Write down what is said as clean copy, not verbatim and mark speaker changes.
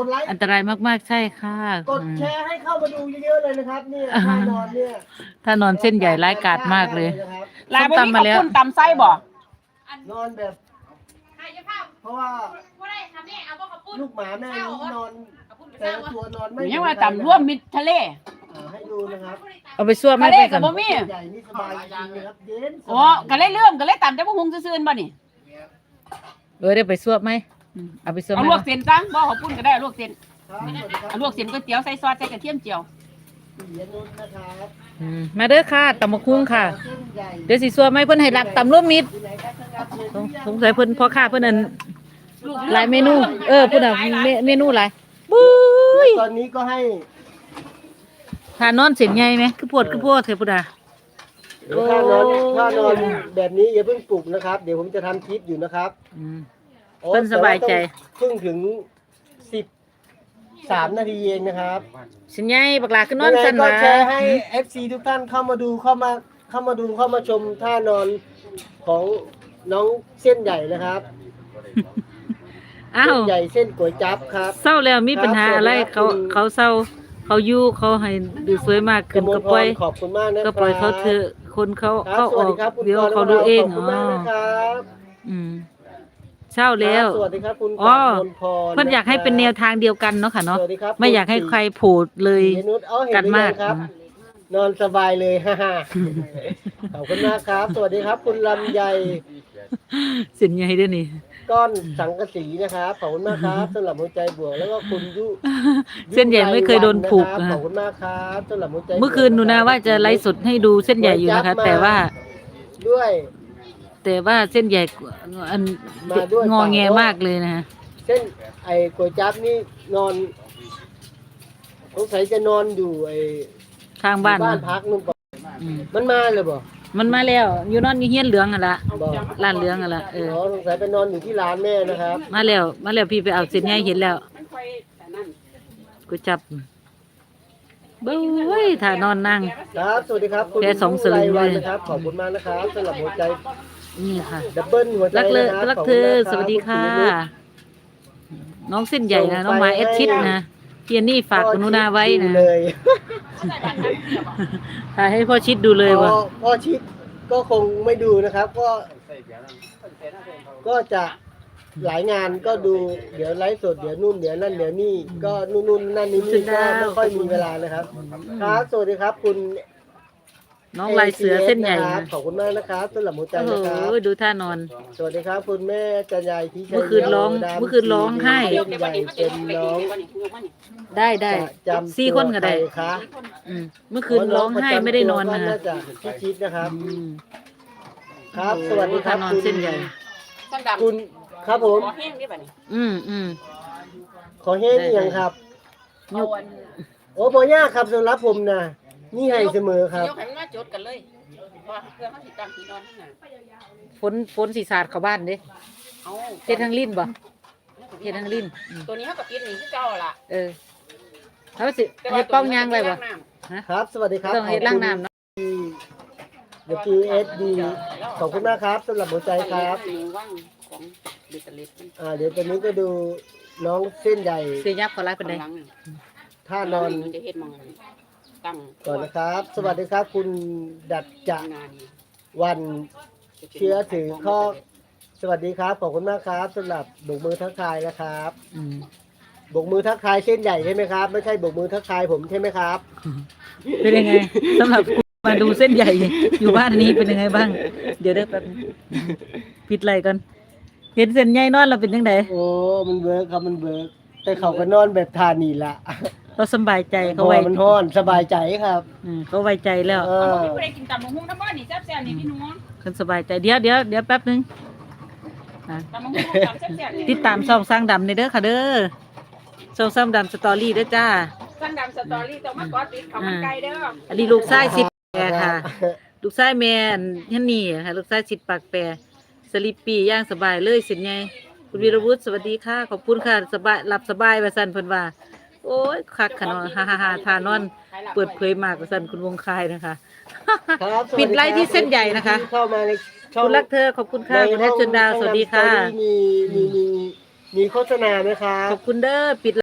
Speaker 1: ดไลค์
Speaker 2: อันตรายมากๆใช่ค่ะ
Speaker 1: กดแชร์ให้เข้ามาดูเยอะๆเลยนะครับเนี่ยท่านอนเนี่ย
Speaker 2: ถ้านอนเส้นใหญ่ร้ายกาจมากเลย
Speaker 1: นะครับ
Speaker 3: ลายบ่มีข้าวปุ้นตำไส้บ่
Speaker 1: นอนแบบเพราะว่าลูกหมาแม่นี้นอนแต่ละตัวนอนไม่
Speaker 3: ยังว่าตำร่วมมิตรทะเล
Speaker 1: ให้ดูนะครับ
Speaker 2: เอาไปซั่วไม่
Speaker 3: ทะเล
Speaker 2: ไป
Speaker 3: กั
Speaker 2: ก่
Speaker 3: บ
Speaker 2: อน
Speaker 3: บ่มี
Speaker 1: ใหญ่นี่สบายจริงๆนะครับเย็นส
Speaker 3: อ๋อบ
Speaker 1: าย
Speaker 3: ก็เลยเลื่อมก็เลยตำแต่บ่หุงซื่อๆบ่นี่
Speaker 2: ได้ไปซั่วไหมเอาไปซั่วไห
Speaker 3: เอา
Speaker 2: ม
Speaker 3: ลวกเส้นซะบ่ข้าวปุ้นก็ได้เอาลวกเส้น
Speaker 1: ครับสวัสดีครับ
Speaker 3: เอาลวกเส้นก๋วยเตี๋ยวใส่ซอสใส่กระเทียมเจียว
Speaker 1: ปิยนุชนะครับ
Speaker 2: มาเด้อค่ะตำบักหุ่งค่ะ
Speaker 1: เส้นใหญ่
Speaker 2: เดี๋ยวสิซั่วไหมเพิ่นให้รักตำร่วมมิตร
Speaker 1: ที่ไหนครับท่านครับเชิญ
Speaker 2: สงสัยเพิ่นพ่อค้าเพิ่นนั่นหลายเมนูพุ่นน่ะเมนูหลายบุ้ย
Speaker 1: ตอนนี้ก็ให้
Speaker 2: ทานอนเส้นใหญ่ไหมคือปวดเถอะพุ่นน่ะ
Speaker 1: ถ้านอนแบบนี้อย่าเพิ่งปลุกนะครับ เดี๋ยวผมจะทำคลิปอยู่นะครับ
Speaker 2: เพิ่นสบายใจ
Speaker 1: เพิ่งถึง13 นาทีเองนะครับ
Speaker 2: เส้นใหญ่บักหลาคือนอนสั่น
Speaker 1: ก็
Speaker 2: ว่า
Speaker 1: แชร์ให้ FC ทุกท่านเข้ามาดูเข้ามาชมท่านอนของน้องเส้นใหญ่นะครับ
Speaker 2: อ้าว
Speaker 1: เส้นใหญ่เส้นก๋วยจั๊บครับ
Speaker 2: เศร้าแล้วมีปัญหาอะไร
Speaker 1: ครับ
Speaker 2: เขาเศร้าเขาอยู่เขาให้ดูสวยมากขึ้น
Speaker 1: กมล
Speaker 2: ก็ปล่อย
Speaker 1: พรขอบคุณมากนะครับ
Speaker 2: ก็ปล่อยเขาเถอะคนเขา
Speaker 1: ครับ
Speaker 2: เขา
Speaker 1: ส
Speaker 2: อ
Speaker 1: วัส
Speaker 2: อก
Speaker 1: ดีครับคุณ
Speaker 2: เดี๋ยว
Speaker 1: กร
Speaker 2: เขาดูเอง
Speaker 1: ขอบคุณมากนะครับ
Speaker 2: เศร้าแล้ว
Speaker 1: สวัสดีครับคุณ
Speaker 2: อ๋อ
Speaker 1: กมลพร
Speaker 2: เพิ่นอยากให้เป็นแนวทางเดียวกันเนาะค่ะเนาะ
Speaker 1: สวัสดีครับ
Speaker 2: ไม่อยากให้ใครโผล่เลย
Speaker 1: เห็นนุชเอาเห็น
Speaker 2: กันมาก
Speaker 1: หรือยังครับ นอนสบายเลย ฮ่าฮ่าขอบคุณมากครับ สวัสดีครับ คุณลำไย
Speaker 2: เส้นใหญ่ด้วยนี่
Speaker 1: ก้อนสังกะสีนะครับขอบคุณมากครับสำหรับหัวใจบวกแล้วก็คุณยุ
Speaker 2: เส้นใหญ่ไม่เคยโดนผูก
Speaker 1: นะครับ
Speaker 2: นะ
Speaker 1: ขอบคุณมากครับสำหรับหัวใจบวก
Speaker 2: เมื่อคืนหนูนาว่าจะไลฟ์สดให้ดูเส้นใหญ่อยู่นะคะ แต่ว่า
Speaker 1: ด้วย
Speaker 2: เส้นใหญ่อัน
Speaker 1: มาด้วย
Speaker 2: งอแงมากเลยนะฮะ
Speaker 1: เส้นไอ้ก๋วยจั๊บนี่นอนสงสัยจะนอนอยู่ไอ้
Speaker 2: ข้างบ้าน
Speaker 1: บ้าน
Speaker 2: นะ
Speaker 1: พักนู่นป่ะ
Speaker 2: อืม
Speaker 1: มันมาเลยบ่
Speaker 2: มันมาแล้วอยู่นอนอยู่เฮียนเหลืองอ่ะละ
Speaker 1: บ่
Speaker 2: ร้านเหลืองอ่ะละ
Speaker 1: อ๋อสงสัยไปนอนอยู่ที่ร้านแม่นะครับ
Speaker 2: มาแล้วพี่ไปเอาเส้นใหญ่เห็นแล้ว
Speaker 3: มันค่อยแต่นั่น
Speaker 2: กูจับเบ้ยถ้านอนนั่ง
Speaker 1: ครับสวัสดีครับคุณ
Speaker 2: แค่2สลึง
Speaker 1: ไรวัน
Speaker 2: เลย
Speaker 1: นะครับขอบคุณมากนะครับสำหรับหัวใจ
Speaker 2: นี่ค่ะ
Speaker 1: ดับเบิลหัวใจ
Speaker 2: รักเลย
Speaker 1: นะครับ
Speaker 2: รักเธอ
Speaker 1: ขบณมากรับ
Speaker 2: สวัสดีค่ะ
Speaker 1: ณปิยนุช
Speaker 2: น้องเส้นใหญ่นะน้องมาเอสชิดนะเพียนี่ฝากคุณนุนาไว้นะ
Speaker 1: เลย
Speaker 2: ถ่ายให้พ่อชิดดูเลยว่ะ
Speaker 1: พ่อชิดก็คงไม่ดูนะครับ ก็จะหลายงานก็ดูเดี๋ยวไลฟ์สดเดี๋ยวนู่นเดี๋ยวนั่นเดี๋ยวนี่ก็นู่นนั่นนี่ก็ไม่ค่อยมีเวลานะครับครับสวัสดีครับ คุณ
Speaker 2: น้องลายเสือเส้นใหญ่
Speaker 1: นะครับ
Speaker 2: นะ
Speaker 1: ขอบคุณมากนะครับสำหรับหัวใจ
Speaker 2: โอ้โห
Speaker 1: นะครับ
Speaker 2: ดูท่านอน
Speaker 1: สวัสดีครับคุณแม่จันยายที่ชัย
Speaker 2: เมื่อคืนร้อง
Speaker 1: ดำ
Speaker 2: เมื่อคืนร้องไห้
Speaker 1: เส้นใหญ่เป็นน้อง
Speaker 2: ได้
Speaker 1: จำ
Speaker 2: 4 คนก็ได้
Speaker 1: ตัวใครคะ
Speaker 2: เมื่อคืนร้องไห้ไม่ได้นอนมา
Speaker 1: น่าจะพี่ชิดนะครับ
Speaker 2: อืม
Speaker 1: ครับ สวัสดีครับ
Speaker 2: ท่านอน
Speaker 1: คุณ
Speaker 2: เส้นใหญ่
Speaker 3: ช่างดำ
Speaker 1: คุณครับผม
Speaker 3: ขอแห้งได้ป่ะนี่
Speaker 1: ขอแห้งยังครับ
Speaker 2: ยก
Speaker 1: โอ้บ่ยากครับสำหรับผมนะนี่ให้เสมอครับ
Speaker 3: ยกให้มันมาจดกันเลยเพราะว่าเพื่อเขาสิตั้งที่นอนที่ไหน
Speaker 2: ฝนสีสาดเข้าบ้านเด้
Speaker 3: เอา
Speaker 2: เฮ็ดทางลิ้นบ่เฮ็ดทางลิ้น
Speaker 3: ตัวนี้เขาก็ติดหนีคือเก่าล่ะ
Speaker 2: เขาสิให้ป้องยางไว้บ่
Speaker 1: ครับ สวัสดีครับ
Speaker 2: ต้องเฮ็ดล้างน้ำเนาะ
Speaker 1: เดี๋ยว QSD ขอบคุณมากครับสำหรับหัวใจครับ
Speaker 3: ว่างของเบตเตอร์เล็ดมัน
Speaker 1: เดี๋ยวตอนนี้ก็ดูน้องเส้นใหญ่
Speaker 2: เสียยับเขาไล่ปานใด
Speaker 3: หลังนี่
Speaker 1: ท่านอน
Speaker 3: จะเฮ็ดมองตั้ง
Speaker 1: ก่อนนะครับ สวัสดีครับ คุณดัดจะ
Speaker 3: งานนี่
Speaker 1: วันเชื้อถือข้อสวัสดีครับ ขอบคุณมากครับสำหรับบกมือทักทายนะครับ บกมือทักทายเส้นใหญ่ใช่ไหมครับ ไม่ใช่บกมือทักทายผมใช่ไหมครับ
Speaker 2: เป็นยังไงสำหรับคุณมาดูเส้นใหญ่อยู่บ้านนี้เป็นยังไงบ้าง เดี๋ยวได้แป๊บนึงปิดไหลก่อนเห็นเส้นใหญ่นอนเราเป็นยังไง
Speaker 1: โอ้มันเวิร์กครับมันเวิร์กแต่เขาก็นอนแบบทานีละ
Speaker 2: เราสบายใจ
Speaker 1: เพ
Speaker 2: เขา
Speaker 1: ราะ
Speaker 2: ไว้
Speaker 1: ว่ามันห้อนสบายใจครับ
Speaker 2: เขาไว้ใจแล้ว
Speaker 3: เอาพี่ผู้ใดกินตำบักหุ่งน้ำบ้านนี่แซ่บๆนี่พี่น้อง
Speaker 2: คนสบายใจเดี๋ยวแป๊บนึง
Speaker 3: ตำบักหุ่งตำแซ่บๆนี่
Speaker 2: ติดตามช่องสร้างดำในเด้อค่ะเด้อช่องสร้างดำสตอรี่เด้อจ้า
Speaker 3: ช่างดำสตอรี่ต้องมากอดติดเขามันไกลเด้อ
Speaker 2: อันนี้ลูกชายสิบแปรค่ะ ลูกชายแม่ฮันนี่ค่ะลูกชายสิบปากแปรสลิปปี้ย่างสบายเลยสินไงคุณวีรวุฒิสวัสดีค่ะขอบคุณค่ะสบายหลับสบายว่าซั่นเพิ่นว่า โอ้ยคักขะเนาะฮ่าๆๆทานอนเปิดเผยมากว่าซั่นคุณวงคายนะคะ
Speaker 1: ครับสวัส
Speaker 2: ปิดไลฟ์ที่เส้นใหญ่นะคะ
Speaker 1: ที่เข้ามาในช่อง
Speaker 2: คุณรักเธอขอบคุณค่ะคุณแอดจนดาวสวัสดีค่ะ
Speaker 1: มีโฆษณาไหมครับ
Speaker 2: ขอบคุณเด้อปิด